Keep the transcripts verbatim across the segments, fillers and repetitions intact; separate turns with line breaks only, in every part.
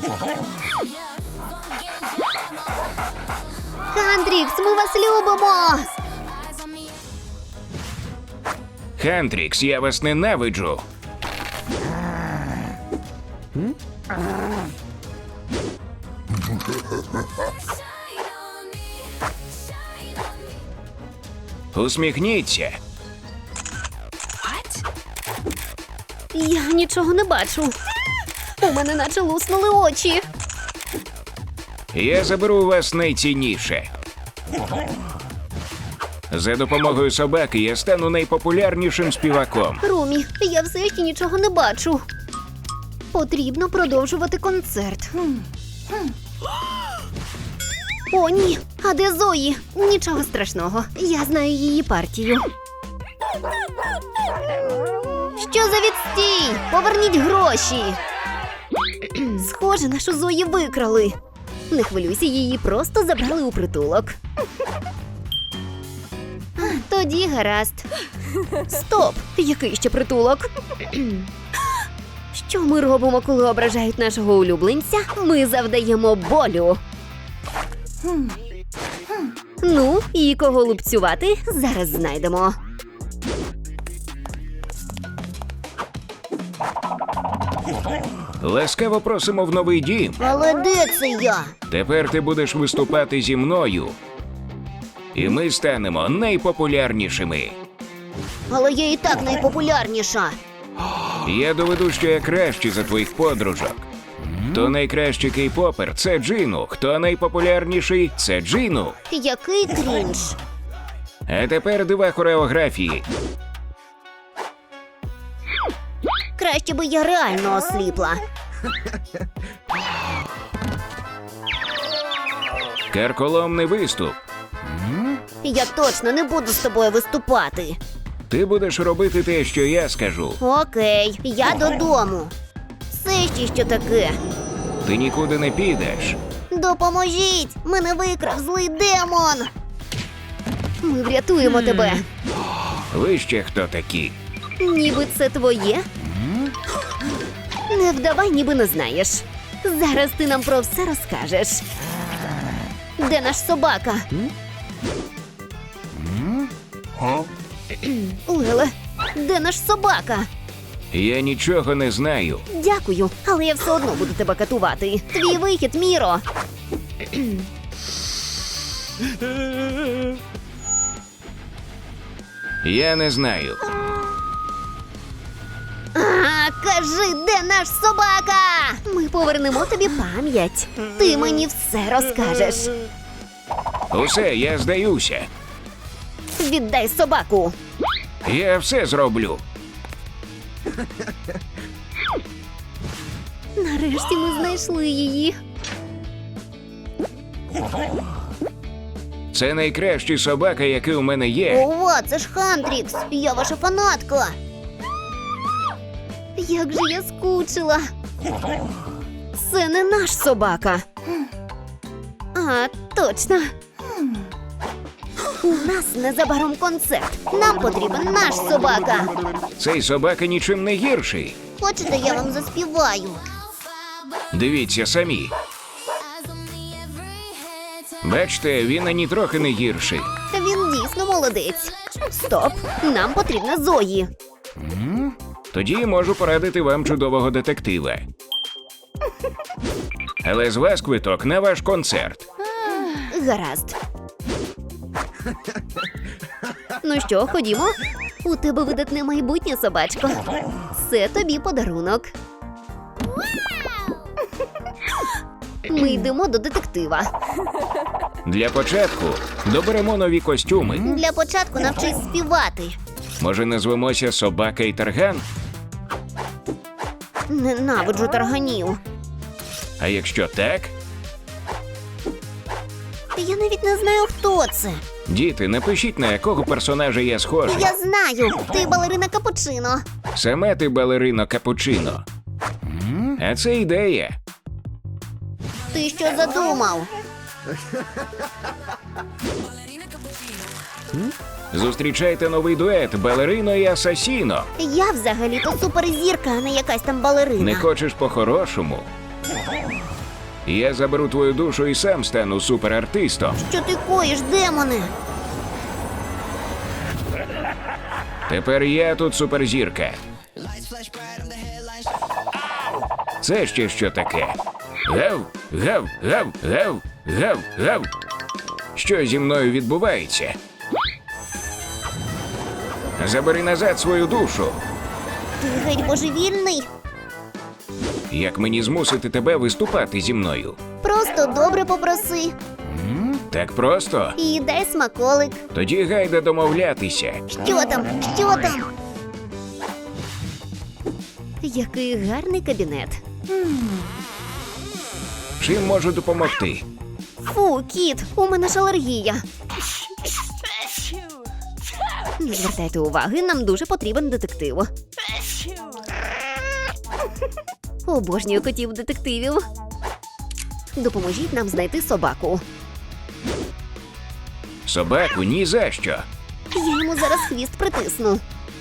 Хантрікс, ми вас любимо!
Хантрікс, я вас ненавиджу. Усміхніться.
Я нічого не бачу. У мене наче луснули очі.
Я заберу у вас найцінніше. За допомогою собаки я стану найпопулярнішим співаком.
Румі, я все ще нічого не бачу. Потрібно продовжувати концерт. О, ні. А де Зої? Нічого страшного. Я знаю її партію. Що за відстій? Поверніть гроші. Схоже, нашу Зої викрали. Не хвилюйся, її просто забрали у притулок. Тоді гаразд. Стоп! Який ще притулок? Що ми робимо, коли ображають нашого улюбленця? Ми завдаємо болю. Ну, і кого лупцювати, зараз знайдемо.
Ласкаво просимо в новий дім.
Але де це я?
Тепер ти будеш виступати зі мною. І ми станемо найпопулярнішими.
Але я і так найпопулярніша.
Я доведу, що я кращий за твоїх подружок. Хто найкращий кей-попер – це Джину. Хто найпопулярніший – це Джину.
Який крінж.
А тепер дива хореографії.
Краще би я реально осліпла.
Карколомний виступ.
Я точно не буду з тобою виступати.
Ти будеш робити те, що я скажу.
Окей, я додому. Це ще що таке?
Ти нікуди не підеш.
Допоможіть! Мене викрав злий демон! Ми врятуємо тебе.
Ви ще хто такі?
Ніби це твоє? Не вдавай, ніби не знаєш. Зараз ти нам про все розкажеш. Де наш собака? Леле, де наш собака?
Я нічого не знаю.
Дякую, але я все одно буду тебе катувати. Твій вихід, Міро.
Я не знаю.
А, кажи, де наш собака? Ми повернемо тобі пам'ять. Ти мені все розкажеш.
Усе, я здаюся.
Віддай собаку.
Я все зроблю.
Нарешті ми знайшли її.
Це найкращий собака, який у мене є.
Ова, це ж Хантрікс. Я ваша фанатка. Як же я скучила. Це не наш собака. А, точно. У нас незабаром концерт. Нам потрібен наш собака.
Цей собака нічим не гірший.
Хочете, я вам заспіваю?
Дивіться самі. Бачите, він ані трохи не гірший.
Він дійсно молодець. Стоп, нам потрібна Зої.
Тоді можу порадити вам чудового детектива. Але з вас квиток на ваш концерт.
Гаразд. Ну що, ходімо? У тебе видатне майбутнє, собачко. Це тобі подарунок. Ми йдемо до детектива.
Для початку доберемо нові костюми.
Для початку навчись співати.
Може, назвемося «Собака і тарган»?
Ненавиджу тарганів.
А якщо так?
Я навіть не знаю, хто це.
Діти, напишіть, на якого персонажа я схожий.
Я знаю, ти балерина Капучино.
Саме ти балерино Капучино. А це ідея.
Ти що задумав?
Зустрічайте новий дует балерино і асасіно.
Я взагалі-то суперзірка, а не якась там балерина.
Не хочеш по-хорошому? Я заберу твою душу і сам стану суперартистом.
Що ти коїш, демоне?
Тепер я тут суперзірка. Це ще що таке? Гав, гав, гав, гав, гав, гав. Що зі мною відбувається? Забери назад свою душу.
Ти геть божевільний?
Як мені змусити тебе виступати зі мною?
Просто добре попроси.
Так просто?
І дай смаколик.
Тоді гайда домовлятися.
Що там? Що там? Який гарний кабінет.
Чим можу допомогти?
Фу, кіт, у мене ж алергія. Не звертайте уваги, нам дуже потрібен детектив. Обожнюю котів-детективів. Допоможіть нам знайти собаку.
Собаку ні за що.
Я йому зараз хвіст притисну.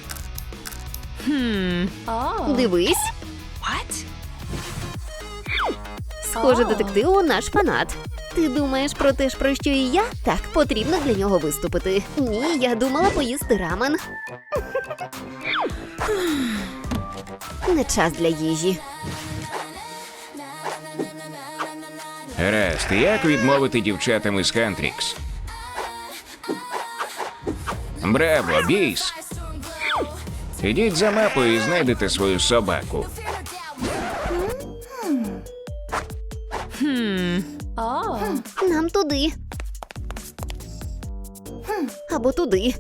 Дивись. Схоже, детективу наш фанат. Ти думаєш про те ж, про що і я? Так, потрібно для нього виступити. Ні, я думала поїсти рамен. Не час для їжі.
Гаразд, як відмовити дівчатам із Хантрікс? Браво, біс! Ідіть за мапою і знайдете свою собаку.
Нам туди. Або туди.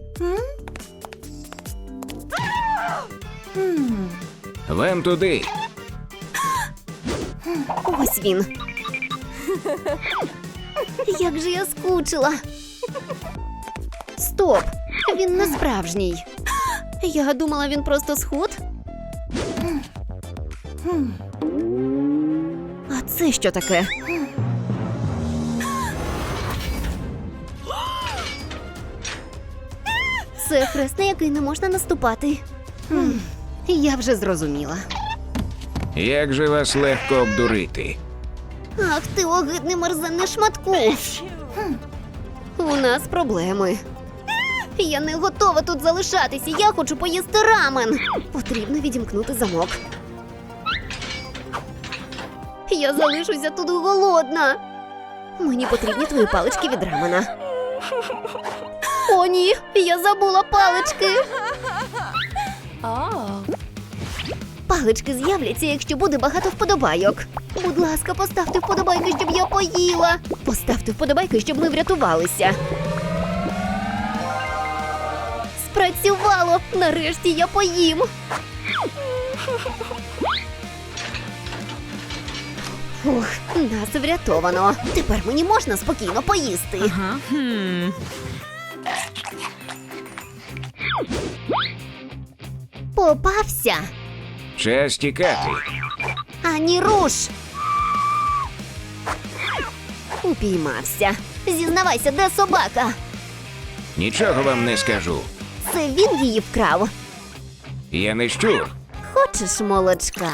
Вам туди.
Ось він. Як же я скучила. Стоп! Він не справжній. Я думала, він просто сход. А це що таке? Це хрест, на який не можна наступати. Хм, Я вже зрозуміла.
Як же вас легко обдурити?
Ах ти огидний мерзенний шматку. У нас проблеми. Я не готова тут залишатися, я хочу поїсти рамен. Потрібно відімкнути замок. Я залишуся тут голодна. Мені потрібні твої палички від рамена. О, ні, я забула палички. Палички з'являться, якщо буде багато вподобайок. Будь ласка, поставте вподобайки, щоб я поїла. Поставте вподобайки, щоб ми врятувалися. Спрацювало! Нарешті я поїм. Ух, нас врятовано. Тепер мені можна спокійно поїсти. Попався.
Час тікати.
Ані руш. Упіймався. Зізнавайся, де собака?
Нічого вам не скажу.
Це він її вкрав.
Я не щур.
Хочеш молочка?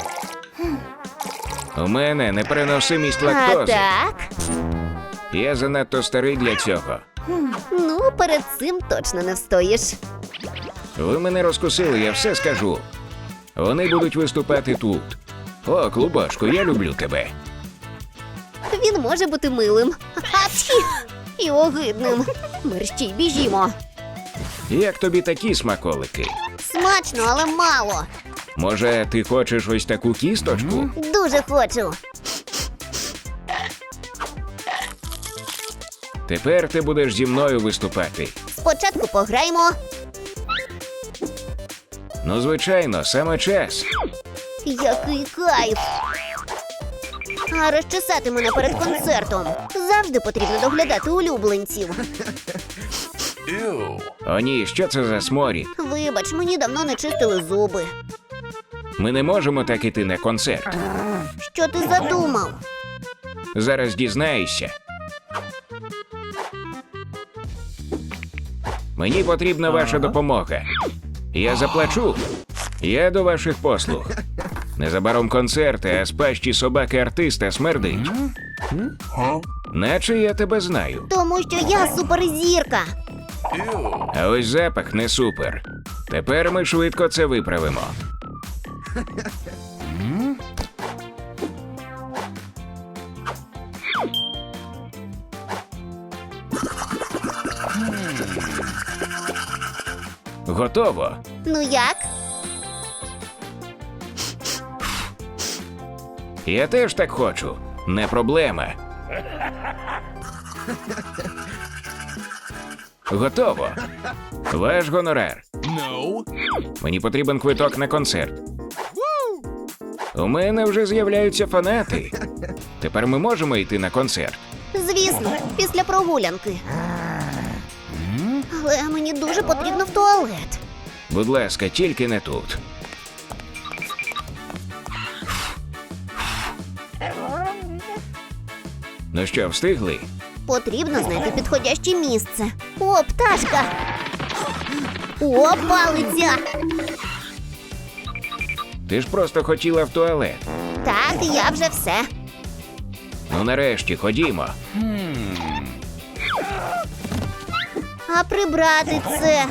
У мене непереносимість
А
лактози.
так?
Я занадто старий для цього.
Ну, перед цим точно не встоїш.
Ви мене розкусили, я все скажу. Вони будуть виступати тут. О, клубочку, я люблю тебе.
Він може бути милим. Апчхі! І огидним. Мерщій, біжімо.
Як тобі такі смаколики?
Смачно, але мало.
Може, ти хочеш ось таку кісточку?
Дуже хочу.
Тепер ти будеш зі мною виступати.
Спочатку пограємо.
Ну, звичайно, саме час.
Який кайф. А розчесати мене перед концертом. Завжди потрібно доглядати улюбленців.
О ні, що це за сморід?
Вибач, мені давно не чистили зуби.
Ми не можемо так іти на концерт.
Що ти задумав?
Зараз дізнаєшся. Мені потрібна ваша допомога. Я заплачу. Я до ваших послуг. Незабаром концерти, а з пащі собаки-артиста смердить. Наче я тебе знаю.
Тому що я суперзірка.
А ось запах не супер. Тепер ми швидко це виправимо. Готово.
Ну як?
Я теж так хочу. Не проблема. Готово. Ваш гонорар. Мені потрібен квиток на концерт. У мене вже з'являються фанати. Тепер ми можемо йти на концерт.
Звісно, після прогулянки. Але мені дуже потрібно в туалет.
Будь ласка, тільки не тут. Ну що, встигли?
Потрібно знайти підходяще місце. О, пташка! О, палиця!
Ти ж просто хотіла в туалет.
Так, я вже все.
Ну нарешті, ходімо.
А прибрати це?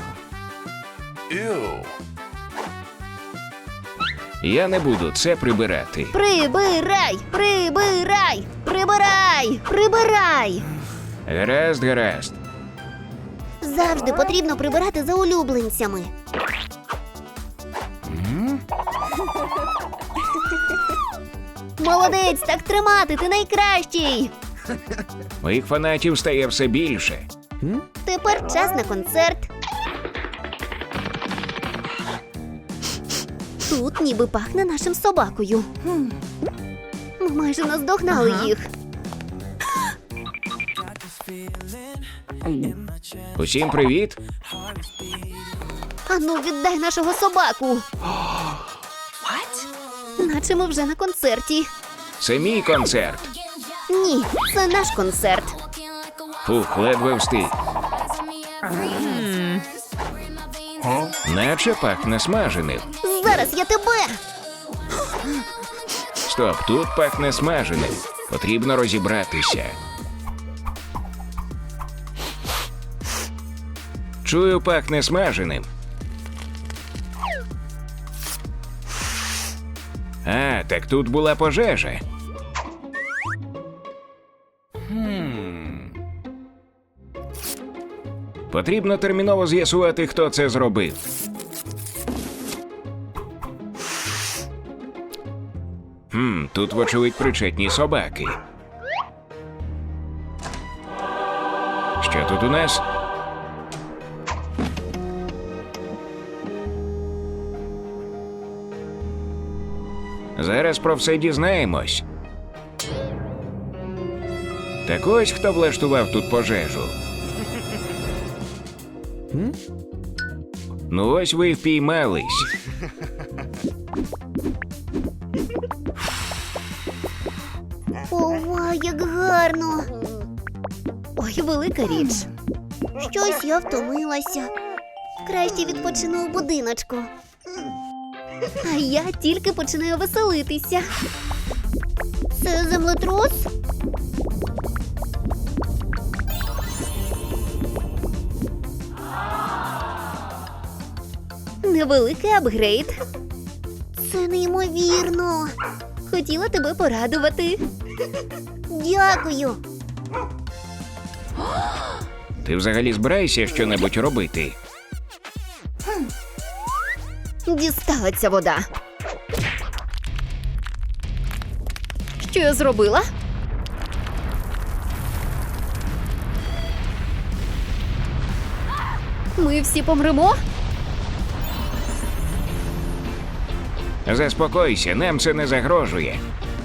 Я не буду це прибирати.
Прибирай! Прибирай! Прибирай! Прибирай!
Гаразд, гаразд.
Завжди потрібно прибирати за улюбленцями. Молодець, так тримати, ти найкращий!
Моїх фанатів стає все більше.
Тепер час на концерт. Тут ніби пахне нашим собакою. Ми майже наздогнали їх.
Усім привіт.
Ану, віддай нашого собаку. Наче ми вже на концерті.
Це мій концерт.
Ні, це наш концерт.
Фух, ледве встиг. Наче пахне смаженим.
Зараз я тебе.
Стоп, тут пахне смаженим. Потрібно розібратися. Чую, пахне смаженим. А, так тут була пожежа. Потрібно терміново з'ясувати, хто це зробив. Хм, тут, вочевидь, причетні собаки. Що тут у нас? Зараз про все дізнаємось. Так ось хто влаштував тут пожежу. Ну ось ви й впіймались.
Ова, як гарно. Ой, велика річ. Щось я втомилася. Краще відпочину у будиночку. А я тільки починаю веселитися. Це землетрус? Невеликий апгрейд. Це неймовірно. Хотіла тебе порадувати. Дякую.
Ти взагалі збираєшся щонебудь робити?
Дістала ця вода. Що я зробила? Ми всі помремо?
Заспокойся, нам це не загрожує.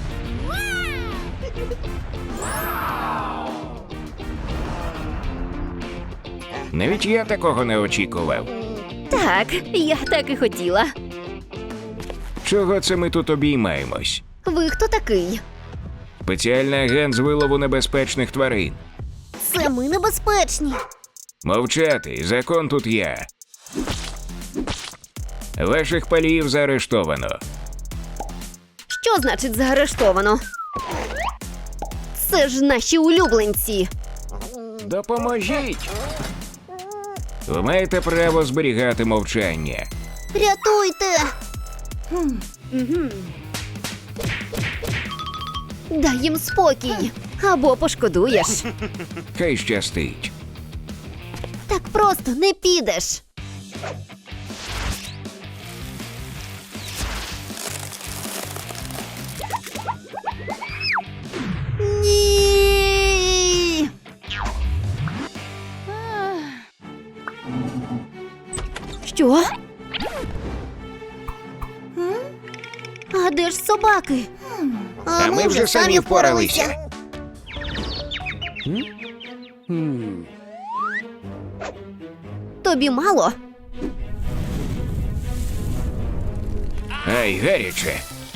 Навіть я такого не очікував.
Так, я так і хотіла.
Чого це ми тут обіймаємось?
Ви хто такий?
Спеціальний агент з вилову небезпечних тварин.
Це ми небезпечні.
Мовчати, закон тут я. Ваших паліїв заарештовано.
Що значить заарештовано? Це ж наші улюбленці.
Допоможіть! Ви маєте право зберігати мовчання.
Рятуйте! Дай їм спокій, або пошкодуєш.
Хай щастить.
Так просто не підеш. Ні! Що? А де ж собаки?
А ми вже самі впоралися.
Тобі мало?
Ай, гаряче.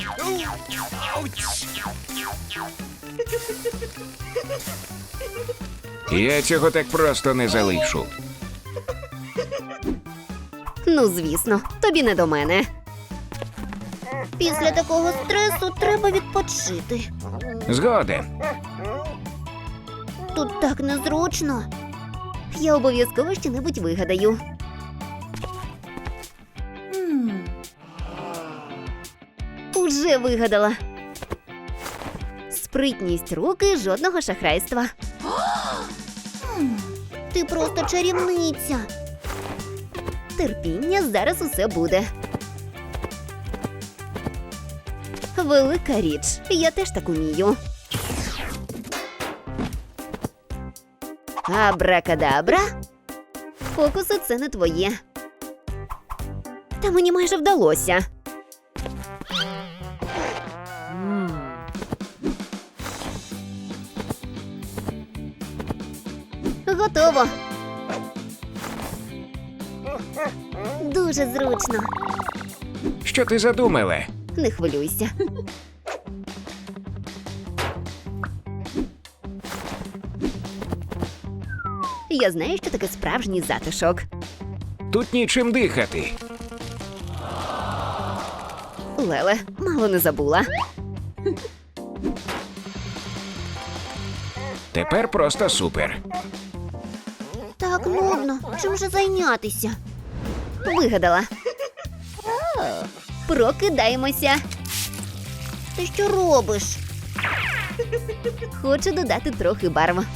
Я цього так просто не залишу.
Ну, звісно, тобі не до мене. Після такого стресу треба відпочити.
Згоден.
Тут так незручно. Я обов'язково що-небудь вигадаю. Уже вигадала. Спритність руки, жодного шахрайства. Ти просто чарівниця. Терпіння, зараз усе буде. Велика річ. Я теж так умію. Абракадабра? Фокуси – це не твоє. Та мені майже вдалося. Готово. Дуже зручно.
Що ти задумала?
Не хвилюйся. Я знаю, що таке справжній затишок.
Тут нічим дихати.
Леле, мало не забула.
Тепер просто супер.
Так нудно. Чим же зайнятися? Вигадала. Прокидаємося. Ти що робиш? Хочу додати трохи барв.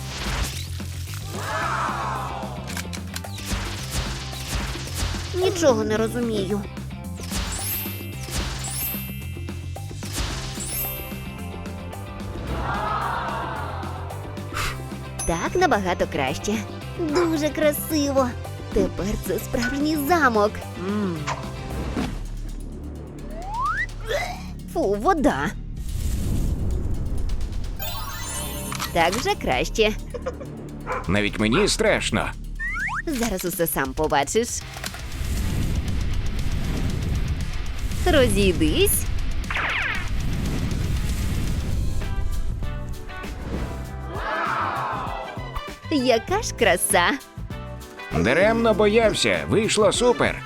Нічого не розумію. Так набагато краще. Дуже красиво. Тепер це справжній замок. Фу, вода. Так вже краще.
Навіть мені страшно.
Зараз усе сам побачиш. Розійдись. Яка ж краса.
Даремно боявся. Вийшло супер.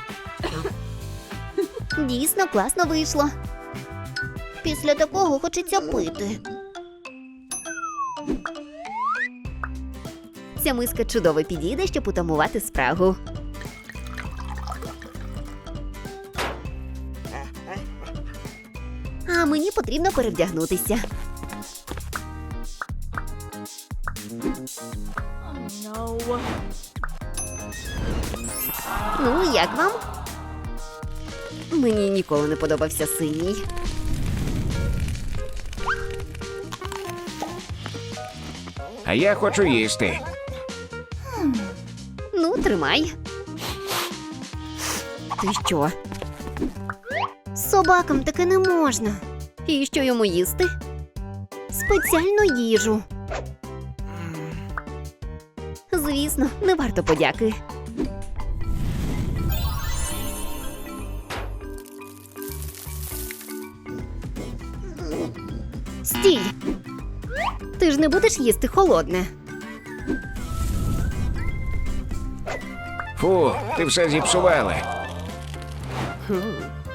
Дійсно класно вийшло. Після такого хочеться пити. Ця миска чудово підійде, щоб утамувати спрагу. А мені потрібно перевдягнутися. Ну, як вам? Мені ніколи не подобався синій.
А я хочу їсти.
Ну, тримай. Ти що? Собакам таке не можна. І що йому їсти? Спеціальну їжу. Звісно, не варто подяки. Стій! Ти ж не будеш їсти холодне.
Фу, ти все зіпсувала.